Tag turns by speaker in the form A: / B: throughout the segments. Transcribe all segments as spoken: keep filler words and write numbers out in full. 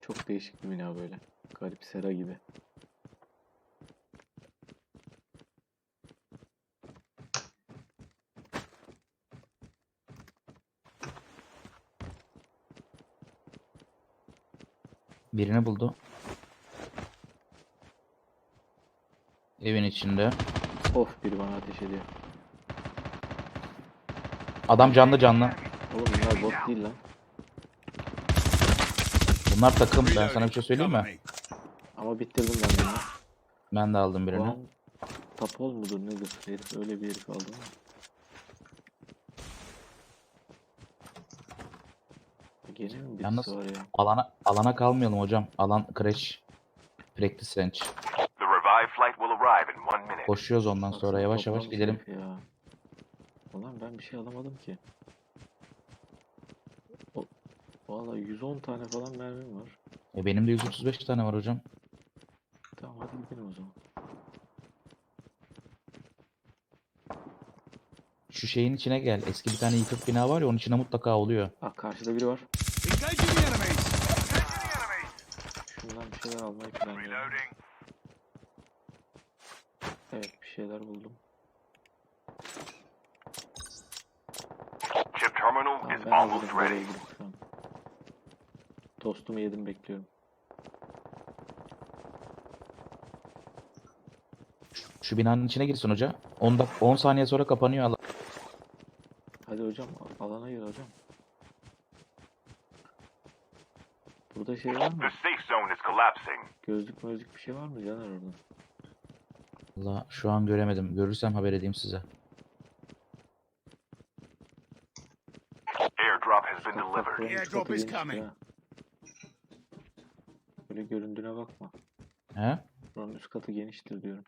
A: Çok değişik bir bina böyle. Garip sera gibi.
B: Birini buldu. Evin içinde.
A: Of, biri bana ateş ediyor.
B: Adam canlı canlı.
A: Oğlum bunlar bot değil lan.
B: Bunlar takım. Ben sana bir şey söyleyeyim mi?
A: Ama bitirdim ben bunu.
B: Ben de aldım birini.
A: Ulan tapol mudur nedir? Herif öyle bir herif aldı ama. Gene mi birisi
B: Yalnız
A: var ya?
B: alana alana kalmayalım hocam. Alan crash. Practice range.
C: The revived flight will arrive in one minute.
B: Koşuyoruz ondan sonra
A: Baksana
B: yavaş yavaş
A: toplamış
B: gidelim.
A: herif ya. Ulan ben bir şey alamadım ki. O, vallahi yüz on tane falan mermim var.
B: E benim de yüz otuz beş tane var hocam.
A: Tamam hadi gidelim o zaman.
B: Şu şeyin içine gel. Eski bir tane yıkık bina var ya, onun içine mutlaka oluyor.
A: Ah, karşıda biri var.
C: Engaging the enemies. Engaging the enemies.
A: Şundan bir şeyler almayı planlıyorum.
C: Reloading.
A: Evet, bir şeyler buldum.
C: Chip terminal
A: Tamam,
C: is
A: ben
C: almost
A: hazırım. Nereye
C: ready.
A: gidip şu an. Tostumu yedim, bekliyorum.
B: Şu binanın içine girsin hoca. on dak on saniye sonra kapanıyor alan.
A: Hadi hocam, a- alana gir hocam. Burada şey var mı?
C: The safe zone is collapsing.
A: Gözlük mözlük bir şey var mı Caner orada?
B: Valla şu an göremedim. Görürsem haber edeyim size.
C: Airdrop has been
A: Bak bak,
C: delivered.
A: buranın üst
D: Airdrop
A: katı
D: is
A: geniştir
D: coming.
A: ha. Böyle göründüğüne bakma.
B: He?
A: Buranın üst katı geniştir diyorum.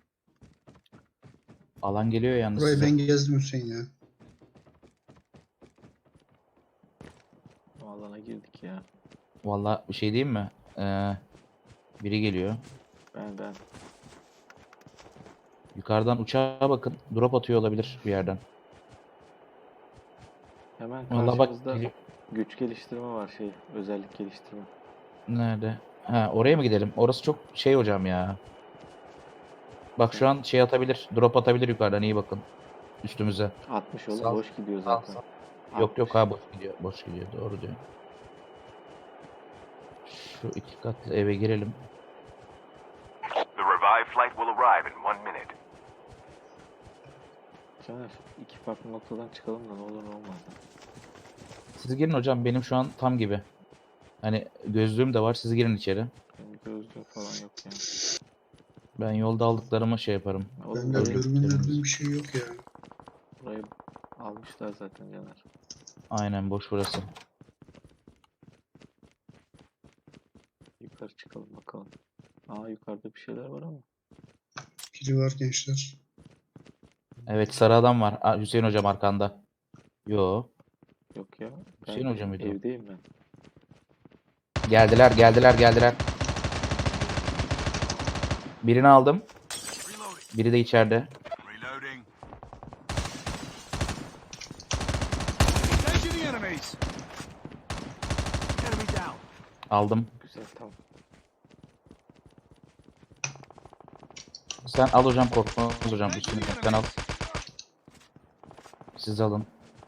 B: Alan geliyor yalnız
E: Burayı
B: size.
E: ben gezdim Hüseyin ya.
A: O alana girdik ya.
B: Valla bir şey diyeyim mi? Ee, biri geliyor.
A: Ben ben.
B: Yukarıdan uçağa bakın. Drop atıyor olabilir bir yerden.
A: Hemen
B: Valla bak
A: karşımızda
B: geliyor.
A: güç geliştirme var, şey, özellik geliştirme.
B: Nerede? Ha, oraya mı gidelim? Orası çok şey hocam ya. Bak şu an şey atabilir. Drop atabilir yukarıdan, iyi bakın. Üstümüze.
A: altmış oğlum,
B: Sağ-
A: boş gidiyor
B: sağ-
A: zaten.
B: sağ. Yok yok ha, boş gidiyor. Boş gidiyor. Doğru diyor. Şu iki katlı eve girelim.
C: The revived flight will arrive in one minute.
A: Caner, iki farklı noktadan çıkalım da ne olur ne olmaz.
B: Siz girin hocam, benim şu an tam gibi. Hani gözlüğüm de var, siz girin içeri.
A: Benim gözlüğüm falan yok yani.
B: Ben yolda aldıklarımı şey yaparım.
A: Oğlum
E: Bende
B: öyle
A: burayı,
E: dürbün
B: gidelim.
E: dürbün bir şey yok ya.
A: burayı almışlar zaten Caner.
B: Aynen, boş burası.
A: Yukarı çıkalım bakalım. Aa, yukarıda bir şeyler var ama.
E: Biri var gençler.
B: Evet, sarı adam var. Aa, Hüseyin hocam arkanda. Yo.
A: Yok ya. Ben
B: Hüseyin Hoca mıydı o?
A: evdeyim ben.
B: Geldiler geldiler geldiler. Birini aldım.
C: Reloading.
B: Biri de içeride.
C: Reloading.
D: Engaging the enemies. Enemy down.
B: Aldım.
A: Güzel, tamam.
B: Sen al hocam, korkmaz hocam. Üstünü sen al. Siz alın.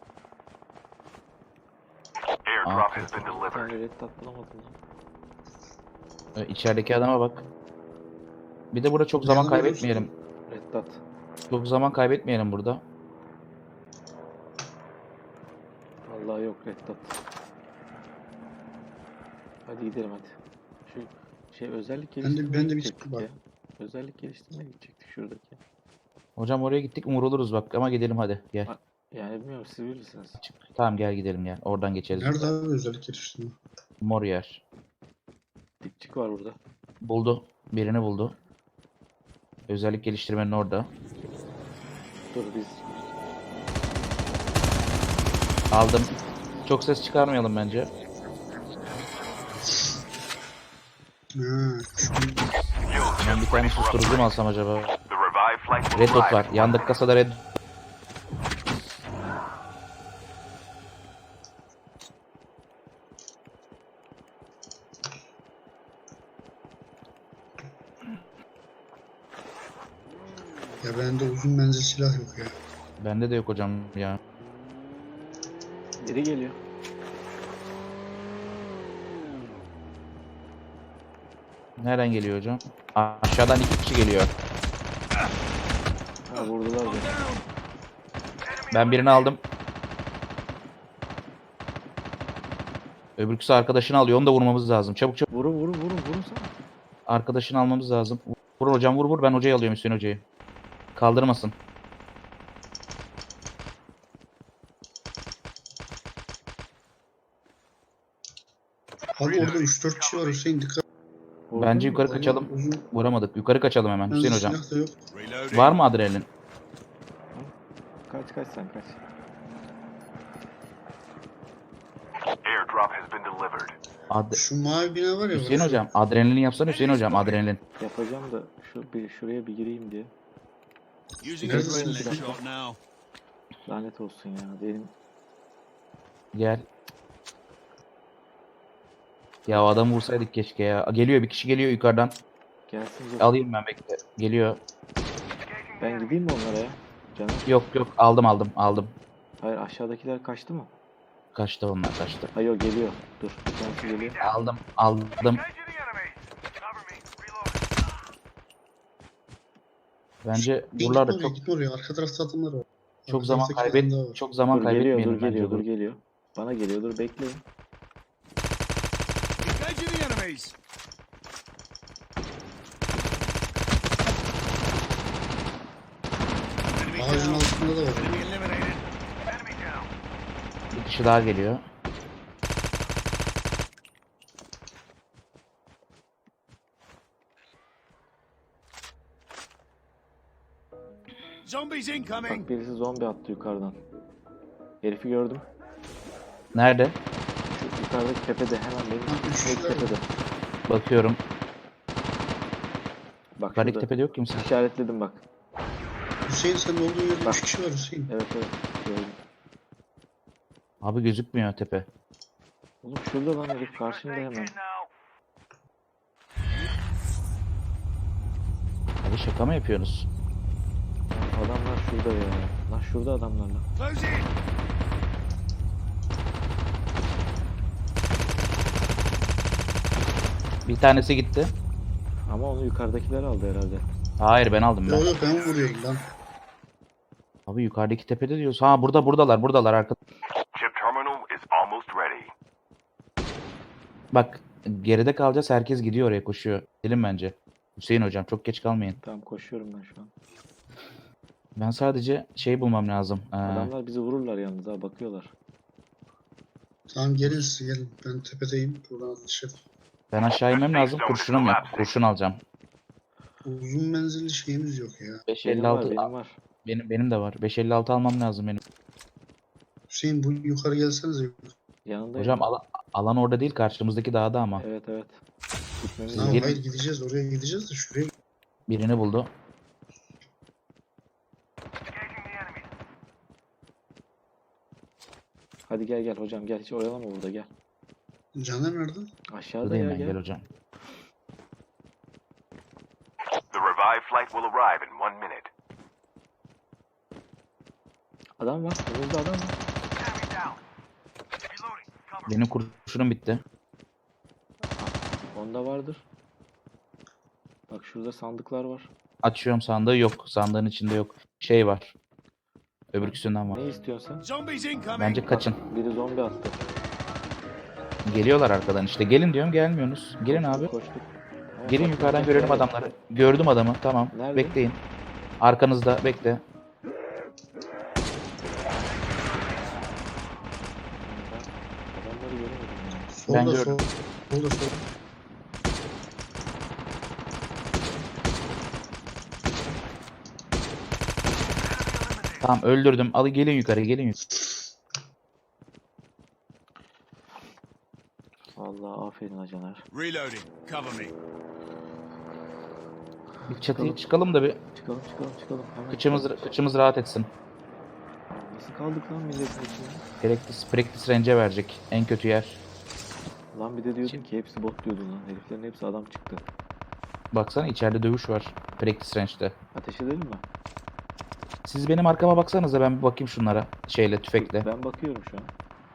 C: Airdrop
B: Ah.
C: has been
A: Bir
C: delivered.
A: tane red dot bulamadım lan.
B: Ee, İçerideki adama bak. Bir de burada çok zaman
E: Yanına
B: kaybetmeyelim.
A: Red dot.
B: Çok zaman kaybetmeyelim burada.
A: Vallahi yok red dot. Hadi gidelim hadi. Şu şey, özellik
E: Ben de-
A: geliştirmeye
E: ben de bir
A: gidecektik
E: çıktı bak.
A: ya. Özellik geliştirmeye gidecektik şuradaki.
B: Hocam oraya gittik vuruluruz bak, ama gidelim hadi gel.
A: Ha, Yani bilmiyorum, siz bilirsiniz.
B: Çık. Tamam gel gidelim gel. Oradan geçeriz.
E: Nerede abi özellik geliştirme?
B: Mor yer.
A: Dipçik var burada.
B: Buldu. Birini buldu. Özellik geliştirmenin orada.
A: Dur biz
B: Aldım. Çok ses çıkarmayalım bence.
E: Ha, şu
B: Ben bir tane susturucu mu alsam acaba?
C: The revived flight will
B: Red dot
C: arrive
B: var.
C: in one
B: Yandaki
C: minute.
B: kasada red.
E: Ya bende uzun menzil silah yok ya.
B: Bende de yok hocam ya.
A: Biri geliyor.
B: Nereden geliyor hocam? Aşağıdan iki kişi geliyor.
A: Ha vurdular beni.
B: Ben birini aldım. Öbürküsü arkadaşını alıyor. Onu da vurmamız lazım. Çabuk çabuk.
A: Vurun vurun vurun vurun sana.
B: Arkadaşını almamız lazım. Vur hocam vur vur. Ben hocayı alıyorum, Hüseyin hocayı. Kaldırmasın.
E: Abi orada üç dört kişi var Hüseyin, dikkat.
A: Vurdun
B: Bence
A: mu?
B: yukarı kaçalım.
E: Uzun
B: Vuramadık. Yukarı kaçalım hemen
E: menzil
B: Hüseyin hocam.
E: silah da yok.
C: Reloading.
B: Var mı adrenalin?
A: Kaç kaç sen kaç.
C: Airdrop has been delivered.
B: Ad
E: Şu mavi bina var ya.
B: Hüseyin
E: bak.
B: hocam adrenalin yapsana Hüseyin hocam adrenalin.
A: Yapacağım da şu bir şuraya bir gireyim diye.
D: Using
E: Neredesin
D: adrenaline
E: sen?
D: shot now.
A: Lanet olsun ya. Benim
B: Gel. Ya o adamı vursaydık keşke ya. Geliyor bir kişi geliyor yukarıdan.
A: gelsin dur.
B: Alayım ben, bekle. Geliyor.
A: Ben gideyim mi onlara ya? Canım.
B: Yok yok aldım aldım aldım.
A: Hayır aşağıdakiler kaçtı mı?
B: Kaçtı onlar kaçtı.
A: Hayır o geliyor. Dur. Bir tanesi geliyor.
B: Aldım aldım. Bence
E: Bir
B: buralarda
E: gitme oraya,
B: çok
E: gitme oraya. Arka tarafta adamlar var.
B: çok
E: Arka
B: zaman
E: taraftaki adam daha
B: kaybet
E: var.
B: çok zaman
A: Dur geliyor
B: kaybetmeyelim
A: dur
B: bence.
A: geliyor dur
B: dur.
A: geliyor. Bana geliyor dur bekleyin.
D: Engaging the enemies. Enemy
E: Ağacın
D: down.
E: altında da var.
D: Enemy eliminated.
B: Bir kişi daha geliyor.
D: Zombies incoming.
A: Bak birisi zombi attı yukarıdan. Herifi gördüm.
B: Nerede?
A: Şu yukarıdaki tepede hemen benim
E: Ha, üç
A: üstümdeki
E: kişiler mi?
A: tepede.
B: Bakıyorum.
A: Bak
B: Karik
A: şurada.
B: tepede yok kimse.
A: İşaretledim bak.
E: Hüseyin senin olduğun yerde
A: Bak.
E: üç kişi var Hüseyin.
A: Evet evet gördüm.
B: Abi gözükmüyor tepe.
A: Oğlum şurada lan herif karşımda hemen.
B: Abi şaka mı yapıyorsunuz?
A: Adamlar şurada ya. Lan şurada adamlar lan.
D: Close in.
B: Bir tanesi gitti.
A: Ama onu yukarıdakiler aldı herhalde.
B: Hayır ben aldım ben.
E: Yok yok ben vuruyorum lan.
B: Abi yukarıdaki tepede diyoruz. Ha burada buradalar buradalar arka.
C: Chip terminal is almost ready.
B: Bak geride kalacağız, herkes gidiyor oraya koşuyor. Gidelim bence. Hüseyin hocam çok geç kalmayın.
A: Tamam koşuyorum ben şu an.
B: Ben sadece şey bulmam lazım. Ee,
A: Adamlar bizi vururlar yalnız ha bakıyorlar.
E: Tamam gelin siz gelin. Ben tepedeyim. Buradan atış et.
B: ben aşağı inmem lazım. Kurşunum yok. Kurşun alacağım.
E: Uzun menzilli şeyimiz yok ya.
A: Benim var
B: beş elli altı
A: benim var.
B: benim benim de var. beş elli altı almam lazım benim.
E: Hüseyin bu yukarı gelsenize.
A: Yanındayım.
B: Hocam ala- alan orada değil, karşımızdaki dağda ama.
A: Evet evet. Gitmemiz
E: Tamam
A: lazım.
B: gelin.
E: hayır gideceğiz. Oraya gideceğiz de şuraya.
B: Birini buldu.
A: Hadi gel gel hocam gel hiç oyalama burada gel.
E: Caner nerede?
A: Aşağıda
B: Buradayım
A: ya
B: ben,
A: gel.
B: gel hocam.
C: The revived flight will arrive in one minute.
A: Adam var. Önümüzde adam var.
B: Benim kurşunum bitti.
A: Onda vardır. Bak şurada sandıklar var.
B: Açıyorum sandığı, yok. Sandığın içinde yok. Şey var. Öbürküsünden var.
A: Ne istiyorsun sen?
D: Zombies incoming.
B: Bence kaçın.
A: Biri zombi attı.
B: Geliyorlar arkadan işte. Gelin diyorum, gelmiyorsunuz. Gelin abi.
A: Koştuk. Ama
B: Gelin
A: bak,
B: yukarıdan
A: bak,
B: görelim
A: bak.
B: adamları. Gördüm adamı. Tamam.
A: Nerede?
B: Bekleyin. Arkanızda bekle.
A: Adamları göremedim ya.
E: Solda
B: gördüm.
E: sol. Solda sol.
B: Tamam öldürdüm. Al gelin yukarı, gelin yukarı.
A: Vallahi aferin ha Caner.
D: Reloading. Cover me.
B: Bir çatıya çıkalım da bir
A: Çıkalım çıkalım çıkalım. Hemen
B: kıçımız
A: çıkalım.
B: kıçımız rahat etsin.
A: Nasıl kaldık lan milletin içinde?
B: Practice, practice range'e verecek. En kötü yer.
A: Lan bir de diyordun ki hepsi bot diyordun lan. Heriflerin hepsi adam çıktı.
B: Baksana içeride dövüş var. Practice range'de.
A: Ateş edelim mi?
B: Siz benim arkama baksanıza, ben bir bakayım şunlara. Şeyle, tüfekle.
A: Ben bakıyorum şu an.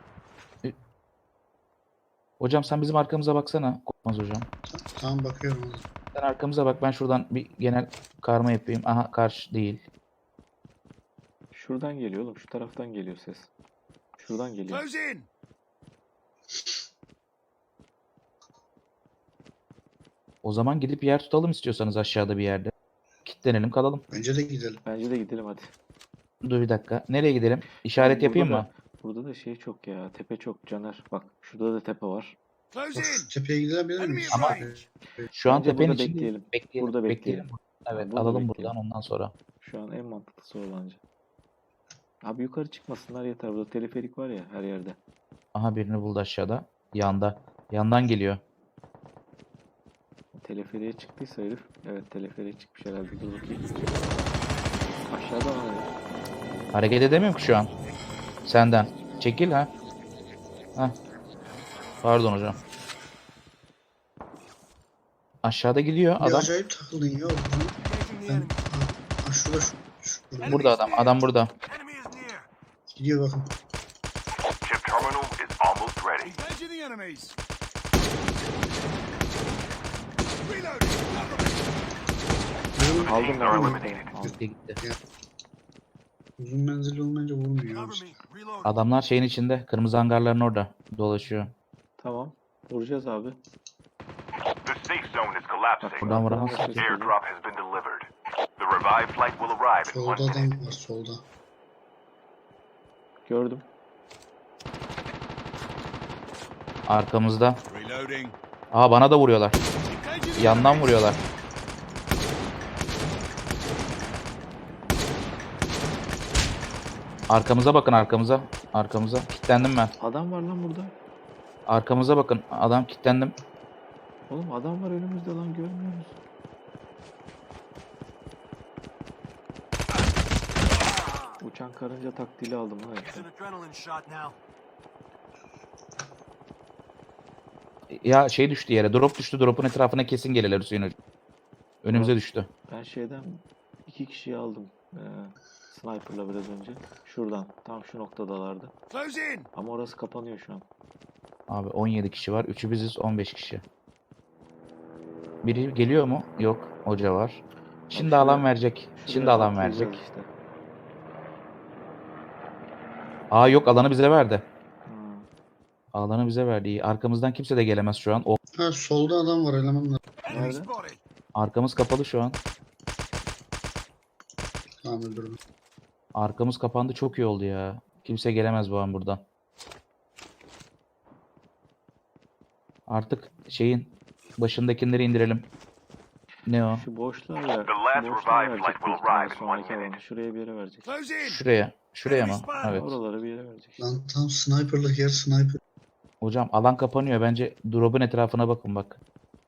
B: Hocam sen bizim arkamıza baksana. Korkmaz hocam.
E: Tamam bakıyorum ona.
B: Sen arkamıza bak, ben şuradan bir genel karma yapayım. Aha, karşı değil.
A: Şuradan geliyor oğlum. Şu taraftan geliyor ses. Şuradan geliyor.
D: Close in.
B: O zaman gidip yer tutalım istiyorsanız aşağıda bir yerde. Kitlenelim kalalım.
E: Bence de gidelim.
A: Bence de gidelim hadi.
B: Dur bir dakika. Nereye gidelim? İşaret
A: Burada
B: yapayım
A: da-
B: mı?
A: Burada da şey çok ya. Tepe çok Caner. Bak şurada da tepe var.
D: Close
E: Bak
D: in.
E: şu tepeye gidebilir
D: Enemy
E: miyiz?
D: in
B: Ama-
D: range.
B: Şu an
A: Bence
B: tepenin
A: burada
B: içinde
A: bekleyelim.
B: bekleyelim.
A: Burada bekleyelim.
B: Evet,
A: burada
B: alalım
A: bekleyelim.
B: buradan ondan sonra.
A: Şu an en mantıklısı o bence. Abi yukarı çıkmasınlar yeter. Burada teleferik var ya her yerde.
B: Aha, birini buldu aşağıda. Yanda. Yandan geliyor.
A: Teleferiğe çıktıysa herif. Evet teleferiğe çıkmış herhalde. Dur bakayım. Aşağıda var herif.
B: Hareket edemiyorum ki şu an. Senden. Çekil ha. Hah. Pardon hocam. Aşağıda gidiyor
E: Bir
B: adam.
E: acayip takıldın ya. Oğlum.
D: Engaging the
E: Ben...
D: enemy.
E: Ha, ha, şurada şu. Şurada.
B: Burada adam. Adam burada.
D: Enemy is near.
E: Gidiyor bakın.
C: Chip terminal is almost ready.
D: Engaging the enemies. Reloading. Cover me.
A: Aldım
C: Teams
A: ben.
C: are
A: aldım.
C: eliminated.
A: Aldım.
B: Gitti gitti.
E: Uzun menzilli olmayınca vurmuyor.
D: Cover
E: abi.
D: me. Reloading.
B: Adamlar şeyin içinde. Kırmızı hangarların orada. Dolaşıyor.
A: Tamam. Vuracağız abi.
C: The safe zone is
A: Bak
C: collapsing.
B: Buradan
A: buradan
B: vuramaz.
A: da ses geliyor.
C: Airdrop has been delivered. The revived flight will arrive in
E: Solda
C: one minute.
E: adam var solda.
A: Gördüm.
B: Arkamızda.
D: Reloading.
B: Aa, bana da vuruyorlar.
D: Engaging the
B: Yandan
D: enemies.
B: vuruyorlar. Arkamıza bakın, arkamıza. Arkamıza. Kilitlendim ben.
A: Adam var lan burada.
B: Arkamıza bakın. Adam kilitlendim.
A: Oğlum adam var önümüzde lan görmüyor musun? Uçan karınca taktiğiyle aldım ha
D: Use
A: işte.
D: an adrenaline shot now.
B: Ya şey düştü yere. Drop düştü. Drop'un etrafına kesin gelirler Hüseyin hocam. Önümüze düştü.
A: Ben şeyden iki kişiyi aldım. Ee, sniper'la biraz önce. Şuradan. Tam şu noktadalardı.
D: Close in.
A: Ama orası kapanıyor şu an.
B: Abi on yedi kişi var. üçü biziz, on beş kişi. Biri geliyor mu? Yok. Hoca var. Şimdi
A: şuraya-
B: alan verecek. Şimdi
A: Şuraya
B: alan
A: atlayacağız
B: verecek.
A: işte.
B: Aa yok, alanı bize verdi.
A: Ha.
B: Alanı bize verdi. İyi. Arkamızdan kimse de gelemez şu an. O
E: Ha solda adam var elemanlar.
D: Enemy
A: Nerede?
D: spotted.
B: arkamız kapalı şu an.
E: Tamam öldürdüm.
B: Arkamız kapandı, çok iyi oldu ya. Kimse gelemez bu an buradan. Artık şeyin başındakileri indirelim. Ne o?
A: Şu boşluğa ver.
C: The last
A: Şu boşluğa
C: revived
A: verecek
C: flight will
A: büyük ihtimalle
C: arrive in one
A: sonraki
C: minute.
A: alanı. Şuraya bir yere verecek.
D: Close in.
B: Şuraya. Şuraya mı? Evet.
A: Oralara bir yere verecek.
E: Lan tam sniper'lık yer sniper.
B: Hocam alan kapanıyor. Bence drop'un etrafına bakın bak.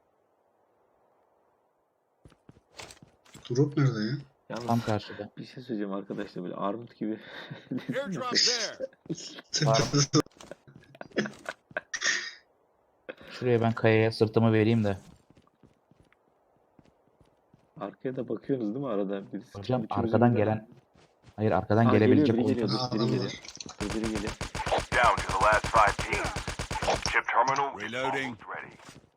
E: Drop nerede ya?
A: Yalnız
B: Tam karşıda.
A: bir şey söyleyeceğim arkadaşlar böyle armut gibi.
D: Airdrop there.
B: Var. Şuraya ben kayaya sırtımı vereyim de.
A: Arkaya da bakıyorsunuz değil mi arada? Birisi,
B: Hocam
A: üçümüzün
B: arkadan
A: birden-
B: gelen hayır arkadan
A: Aa,
B: gelebilecek
A: geliyor, biri
B: oldu.
A: geliyor.
E: Ha,
A: Biri
E: adam
A: geliyor.
E: var.
A: Dur, biri geliyor.
C: Down to the last five teams. Chip terminal is
D: Reloading.
C: almost ready.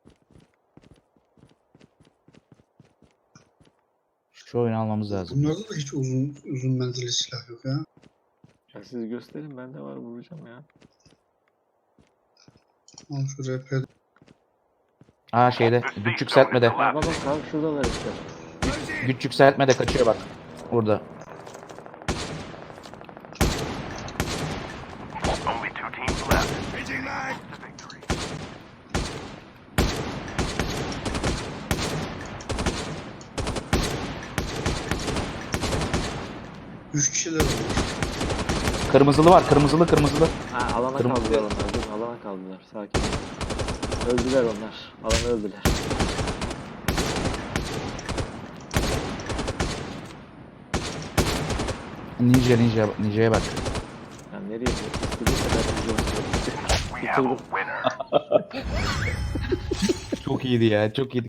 B: Şu oyunu almamız lazım.
E: Bunlarda da hiç uzun uzun menzilli silah yok ya.
A: Ya siz gösterin bende var vuracağım ya.
E: Al şu R P.
B: Aa şeyde
C: The safe
B: güç
C: zone is
B: yükseltmede.
A: Bak bak
C: collapsing.
A: bak abi şuradalar işte.
D: Close in.
B: Güç yükseltmede kaçıyor bak. Burada.
C: Only two teams left.
D: Changing mag.
C: The victory.
E: Üç kişiler var.
B: Kırmızılı var. Kırmızılı kırmızılı.
A: Ha alana
B: Kırmızı-
A: kaldılar onlar. Dur alana kaldılar. Sakin ol. Öldüler onlar. Alanı öldüler.
B: Ninja ninja ninja'ya bak.
A: Yani nereye istediği kadar vuracağım.
C: We have a winner.
B: Çok iyiydi ya. Çok iyiydi.